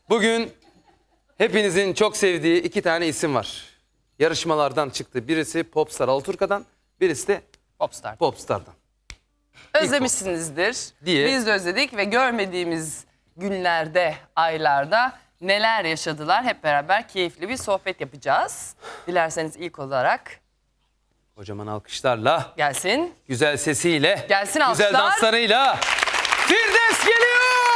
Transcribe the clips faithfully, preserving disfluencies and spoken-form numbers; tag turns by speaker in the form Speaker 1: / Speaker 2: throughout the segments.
Speaker 1: Bugün hepinizin çok sevdiği iki tane isim var. Yarışmalardan çıktı. Birisi Popstar Alaturka'dan, birisi de
Speaker 2: Popstar.
Speaker 1: Popstar'dan.
Speaker 2: Özlemişsinizdir.
Speaker 1: Diye.
Speaker 2: Biz de özledik ve görmediğimiz günlerde, aylarda neler yaşadılar hep beraber keyifli bir sohbet yapacağız. Dilerseniz ilk olarak
Speaker 1: Kocaman alkışlarla,
Speaker 2: gelsin.
Speaker 1: güzel sesiyle,
Speaker 2: Gelsin
Speaker 1: güzel
Speaker 2: alkışlar.
Speaker 1: danslarıyla Firdevs geliyor!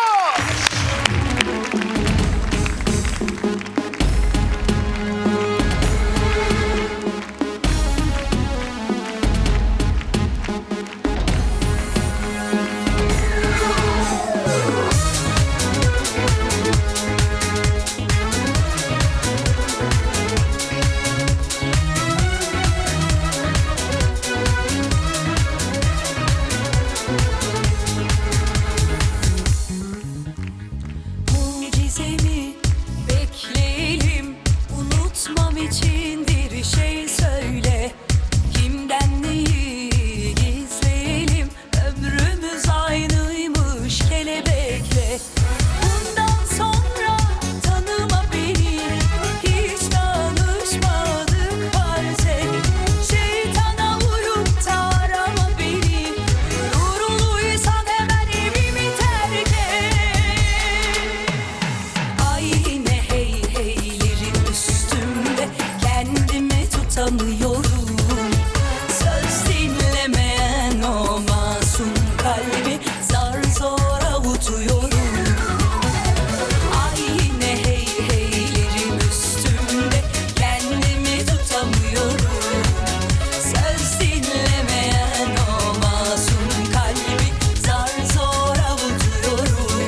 Speaker 3: Mucizemi bekleyelim, unutmam için bir şey söyle. Kimden neyi gizleyelim, ömrümüz aynıymış kelebekle. Bundan sonra tanıma beni, hiç tanışmadık farz et. Şeytana uyup da arama beni, yoruluysan hemen evimi terk et. Ay yine hey heylerin üstümde, kendimi tutamıyorum. Söz dinlemeyen o masum kalbi zar zor avutuyorum. Ay yine hey heylerin üstümde, kendimi tutamıyorum. Söz dinlemeyen o masum kalbi zar zor avutuyorum.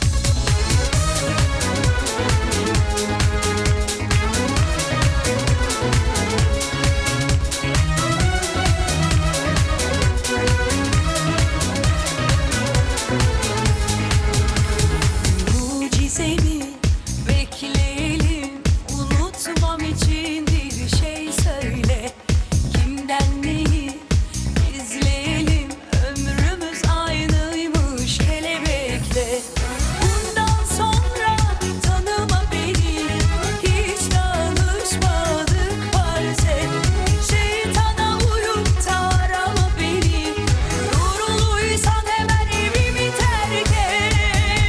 Speaker 3: Mucizemi bekleyelim, unutmam için bir şey söyle. Kimden neyi gizleyelim, ömrümüz aynıymış kelebekle. Bundan sonra tanıma beni, hiç tanışmadık farz et. Şeytana uyup da arama beni, yoruluysan hemen evimi terk et.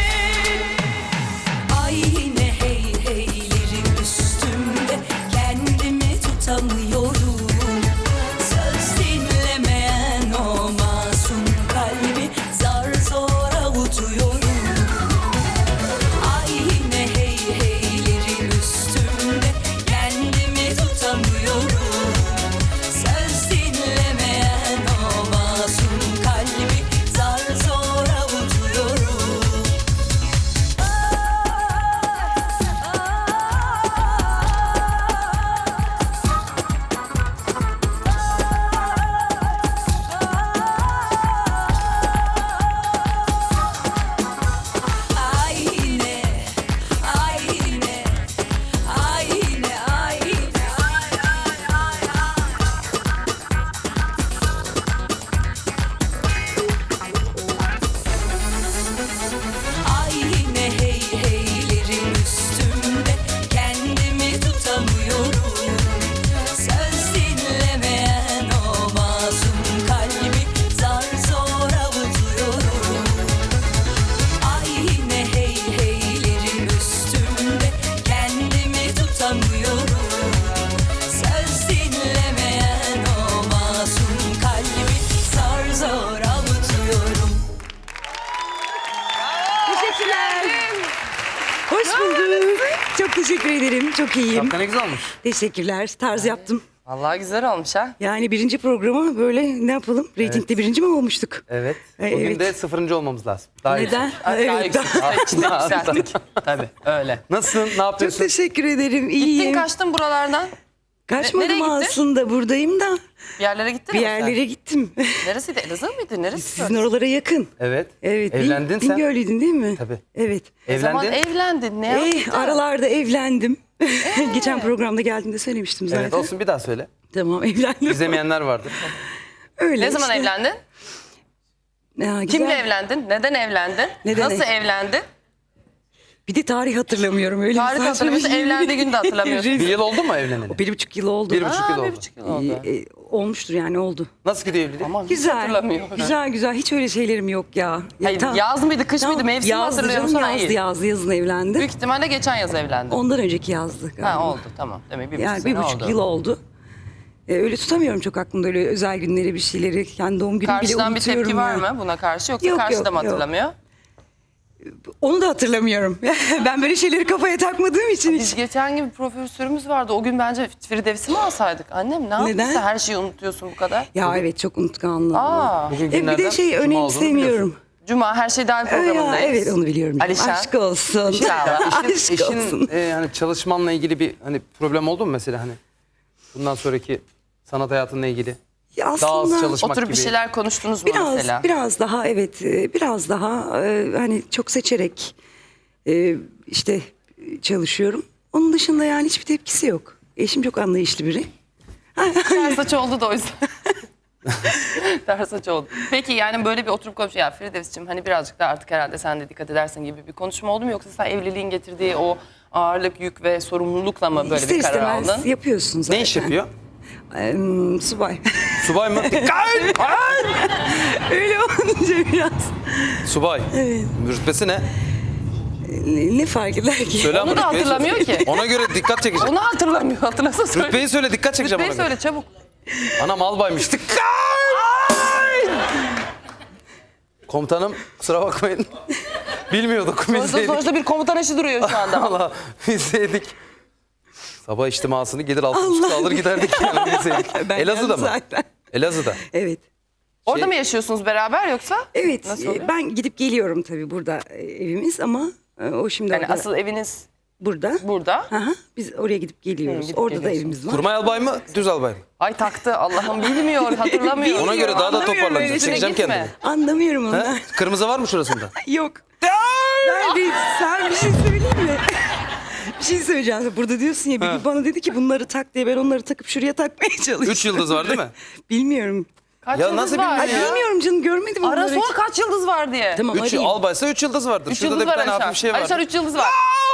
Speaker 3: Ay yine hey heylerin üstümde, kendimi tutamıyorum. Söz dinlemeyen o masum kalbi zar zor avutuyorum. Ay yine hey heylerin üstümde, kendimi tutamıyorum. Söz dinlemeyen o masum kalbi zar zor avutuyorum. Ay yine, ay yine, ay yine, ay yine, ay ay ay ay. Ay yine hey heylerin üstümde, kendimi tutamıyorum. Söz dinlemeyen o masum kalbi zar zor avutuyorum. Ay yine hey heylerin üstümde, kendimi tutamıyorum. Söz dinlemeyen o masum kalbi zar zor avutuyorum.
Speaker 4: Teşekkürler. Hoş bulduk. Çok teşekkür ederim. Çok iyiyim.
Speaker 1: Şapka ne güzel olmuş.
Speaker 4: Teşekkürler. Tarz yaptım.
Speaker 2: Vallahi güzel olmuş ha.
Speaker 4: Yani birinci programa böyle ne yapalım? Ratingde birinci mi olmuştuk?
Speaker 1: Evet.
Speaker 4: Ay,
Speaker 1: Bugün
Speaker 4: evet.
Speaker 1: de sıfırıncı olmamız lazım. Daha
Speaker 4: Neden?
Speaker 1: yüksek.
Speaker 2: Daha
Speaker 4: Evet.
Speaker 2: yüksek. Daha içinde yükselttik. Tabii öyle.
Speaker 1: Nasılsın? Ne
Speaker 4: Çok
Speaker 1: yapıyorsun?
Speaker 4: teşekkür ederim. İyiyim.
Speaker 2: Gittin kaçtın buralardan.
Speaker 4: Kaçmadım
Speaker 2: nereye gittin?
Speaker 4: aslında, buradayım da.
Speaker 2: Bir yerlere gittin
Speaker 4: Bir
Speaker 2: mi sen?
Speaker 4: yerlere gittim.
Speaker 2: Neresiydi? Elazığ mıydı? Neresi?
Speaker 4: Sizin oralara yakın.
Speaker 1: Evet.
Speaker 4: Evet.
Speaker 1: Evlendin
Speaker 4: Bin,
Speaker 1: sen.
Speaker 4: Bingöl'lüydün değil mi?
Speaker 1: Tabii.
Speaker 4: Evet.
Speaker 2: Ne zaman
Speaker 1: Evlendin.
Speaker 2: evlendin? Ne
Speaker 4: Eh,
Speaker 2: yaptın?
Speaker 4: aralarda evlendim. Geçen programda geldiğinde söylemiştim zaten.
Speaker 1: Evet olsun, bir daha söyle.
Speaker 4: Tamam, evlendim.
Speaker 1: İzlemeyenler vardır.
Speaker 4: Öyle
Speaker 2: Ne zaman
Speaker 4: işte.
Speaker 2: evlendin?
Speaker 4: Ya, güzel.
Speaker 2: Kimle evlendin? Neden evlendin?
Speaker 4: Neden
Speaker 2: Nasıl
Speaker 4: ev-
Speaker 2: evlendin?
Speaker 4: Bir de tarih hatırlamıyorum öyle.
Speaker 2: Tarih
Speaker 4: saçma bir
Speaker 2: hatırlamıyorsun,
Speaker 4: şey.
Speaker 2: evlendiği günü de hatırlamıyorsun.
Speaker 1: Bir yıl oldu mu evleneli?
Speaker 4: Bir buçuk yıl oldu.
Speaker 1: Bir buçuk
Speaker 2: Aa,
Speaker 1: yıl oldu.
Speaker 2: bir buçuk yıl oldu.
Speaker 4: Ee, e, olmuştur yani oldu.
Speaker 1: Nasıl gidiyor evlilik?
Speaker 2: Aman hiç
Speaker 4: Güzel.
Speaker 2: hatırlamıyor.
Speaker 4: Güzel güzel. Hiç öyle şeylerim yok ya. Ya
Speaker 2: Hayır,
Speaker 4: tam-
Speaker 2: yaz mıydı, kış
Speaker 4: tam
Speaker 2: mıydı, mevsim
Speaker 4: yazdı
Speaker 2: hatırlıyor
Speaker 4: canım,
Speaker 2: musun?
Speaker 4: Yazdı
Speaker 2: Hayır.
Speaker 4: yazdı yazın evlendi.
Speaker 2: Büyük ihtimalle geçen yaz evlendi.
Speaker 4: Ondan önceki yazdı galiba.
Speaker 2: Ha oldu tamam. Demek bir buçuk
Speaker 4: Yani
Speaker 2: sene
Speaker 4: bir buçuk
Speaker 2: oldu.
Speaker 4: yıl oldu. Ee, öyle tutamıyorum çok aklımda öyle özel günleri bir şeyleri. Yani doğum günü bile
Speaker 2: Karşıdan bir
Speaker 4: unutuyorum
Speaker 2: tepki var
Speaker 4: ya.
Speaker 2: mı buna karşı yoksa
Speaker 4: Yok,
Speaker 2: karşı
Speaker 4: yok,
Speaker 2: da mı
Speaker 4: yok.
Speaker 2: hatırlamıyor?
Speaker 4: Onu da hatırlamıyorum. Ben böyle şeyleri kafaya takmadığım için
Speaker 2: Biz
Speaker 4: hiç.
Speaker 2: geçen gün bir profesörümüz vardı. O gün bence Firdevs'i mi alsaydık? Annem ne
Speaker 4: Neden?
Speaker 2: yaptıysa her şeyi unutuyorsun bu kadar.
Speaker 4: Ya evet çok unutkanlığım.
Speaker 2: Aa,
Speaker 1: Bugün
Speaker 4: E, bir
Speaker 1: günlerden
Speaker 4: de şey
Speaker 1: cuma olduğunu
Speaker 4: önemsemiyorum.
Speaker 1: biliyorsun.
Speaker 2: Cuma her şey dahil
Speaker 4: Ya,
Speaker 2: programındayız.
Speaker 4: evet onu biliyorum.
Speaker 2: Alişan.
Speaker 4: Aşk olsun.
Speaker 2: İnşallah.
Speaker 1: Eşin,
Speaker 4: Aşk olsun.
Speaker 1: eşin e, hani çalışmanla ilgili bir hani problem oldu mu mesela hani bundan sonraki sanat hayatınla ilgili?
Speaker 4: Ya
Speaker 1: Daha az
Speaker 4: aslında
Speaker 1: çalışmak
Speaker 2: Oturup
Speaker 1: gibi.
Speaker 2: bir şeyler konuştunuz mu
Speaker 4: biraz
Speaker 2: mesela?
Speaker 4: biraz daha evet e, biraz daha e, hani çok seçerek e, işte çalışıyorum. Onun dışında yani hiçbir tepkisi yok. Eşim çok anlayışlı biri.
Speaker 2: Ters saç oldu da o yüzden. Ters saç oldu. Peki yani böyle bir oturup konuşuyor. Ya Firdevs'cim hani birazcık da artık herhalde sen de dikkat edersin gibi bir konuşma oldu mu? Yoksa sen evliliğin getirdiği o ağırlık, yük ve sorumlulukla mı böyle
Speaker 4: İster
Speaker 2: bir karar
Speaker 4: istemez
Speaker 2: aldın?
Speaker 4: yapıyorsun zaten.
Speaker 1: Ne iş yapıyor?
Speaker 4: Ee, subay.
Speaker 1: Subay mı?
Speaker 4: Öyle olunca biraz.
Speaker 1: Subay.
Speaker 4: Evet.
Speaker 1: Rütbesi ne?
Speaker 4: Ne, ne fark eder ki?
Speaker 1: Söyle ama
Speaker 2: Onu da
Speaker 1: rütbeyi söyle.
Speaker 2: hatırlamıyor ki.
Speaker 1: Ona göre dikkat çekeceğim.
Speaker 2: Onu hatırlamıyor. Hatırlasa söyle.
Speaker 1: Rütbeyi söyle dikkat çekeceğim
Speaker 2: Rütbeyi
Speaker 1: ona göre.
Speaker 2: söyle çabuk.
Speaker 1: Anam albaymış. Dikkat! Komutanım kusura bakmayın. Bilmiyorduk biz
Speaker 2: Sonuçta,
Speaker 1: yedik.
Speaker 2: sonuçta bir komutan eşi duruyor şu anda.
Speaker 1: Allah biz yedik. Sabah içtimasını gelir altı buçukta alır giderdik yani biz yedik.
Speaker 4: Ben
Speaker 1: Elazığ'da
Speaker 4: geldim
Speaker 1: mı?
Speaker 4: zaten.
Speaker 1: Elazığ'da.
Speaker 4: Evet.
Speaker 2: Orada
Speaker 1: Şey-
Speaker 2: mı yaşıyorsunuz beraber yoksa?
Speaker 4: Evet.
Speaker 2: Nasıl
Speaker 4: e,
Speaker 2: oluyor?
Speaker 4: Ben gidip geliyorum tabii burada e, evimiz ama e, o şimdi
Speaker 2: Yani
Speaker 4: orada,
Speaker 2: asıl eviniz
Speaker 4: burada.
Speaker 2: burada.
Speaker 4: Aha, biz oraya gidip geliyoruz.
Speaker 2: gidip
Speaker 4: orada da
Speaker 2: geliyorsunuz.
Speaker 4: evimiz var.
Speaker 1: Kurmay albay mı düz albay mı?
Speaker 2: Ay taktı Allah'ım bilmiyor, hatırlamıyor.
Speaker 1: Ona göre daha da
Speaker 4: Anlamıyorum
Speaker 1: toparlanacak.
Speaker 4: öyle.
Speaker 1: Çekeceğim
Speaker 2: Gitme.
Speaker 1: kendimi.
Speaker 4: Anlamıyorum onu.
Speaker 1: He? Kırmızı var mı şurasında?
Speaker 4: Yok. Ben bir, sen bir şey söyleyeyim mi? Bir şey söyleyeceğim. Burada diyorsun ya bir gün bana dedi ki bunları tak diye ben onları takıp şuraya takmaya çalıştım.
Speaker 1: Üç yıldız var değil mi?
Speaker 4: Bilmiyorum.
Speaker 2: Kaç
Speaker 1: Ya
Speaker 2: yıldız
Speaker 1: nasıl
Speaker 2: var?
Speaker 1: bilmiyor
Speaker 4: Ay
Speaker 1: ya?
Speaker 4: bilmiyorum canım görmedim
Speaker 2: Ara
Speaker 4: onları.
Speaker 2: sor kaç yıldız var diye.
Speaker 4: Tamam
Speaker 1: Üç
Speaker 4: arayayım.
Speaker 1: albaysa üç yıldız vardır.
Speaker 2: Üç
Speaker 1: Şurada
Speaker 2: yıldız
Speaker 1: da bir
Speaker 2: var
Speaker 1: tane
Speaker 2: Alişan.
Speaker 1: hafif bir şey var.
Speaker 2: Alişan üç yıldız var.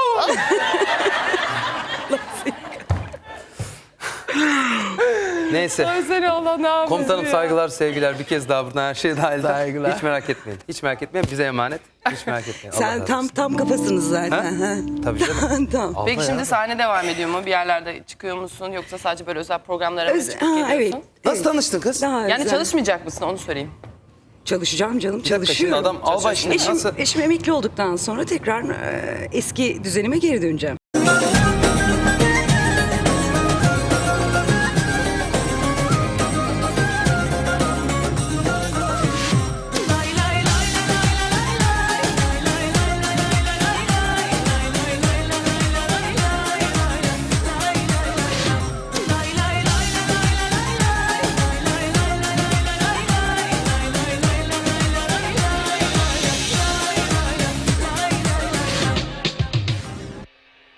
Speaker 1: Neyse.
Speaker 2: Ay seni Allah ne yapıyorsun
Speaker 1: Komutanım
Speaker 2: ya?
Speaker 1: saygılar, sevgiler. Bir kez daha buradan her şey dahil.
Speaker 2: Saygılar.
Speaker 1: Hiç merak etmeyin. Hiç merak etmeyin. Bize emanet. Hiç merak etmeyin. Allah
Speaker 4: Sen
Speaker 1: razı
Speaker 4: tam
Speaker 1: olsun.
Speaker 4: tam kafasınız zaten.
Speaker 1: Ha?
Speaker 4: Ha?
Speaker 1: Tabii canım.
Speaker 4: Tamam.
Speaker 1: Alma
Speaker 2: Peki
Speaker 1: ya.
Speaker 2: şimdi sahne devam ediyor mu? Bir yerlerde çıkıyor musun? Yoksa sadece böyle özel programlara mı
Speaker 4: Öz-
Speaker 2: çıkıp
Speaker 4: ha,
Speaker 2: geliyorsun?
Speaker 4: evet.
Speaker 1: Nasıl
Speaker 4: evet.
Speaker 1: tanıştın kız?
Speaker 4: Daha
Speaker 2: Yani
Speaker 4: güzel.
Speaker 2: çalışmayacak mısın onu sorayım.
Speaker 4: Çalışacağım canım
Speaker 1: Bir dakika, şimdi
Speaker 4: çalışıyorum.
Speaker 1: adam albay şimdi
Speaker 4: Eşim,
Speaker 1: nasıl?
Speaker 4: eşim emekli olduktan sonra tekrar e, eski düzenime geri döneceğim.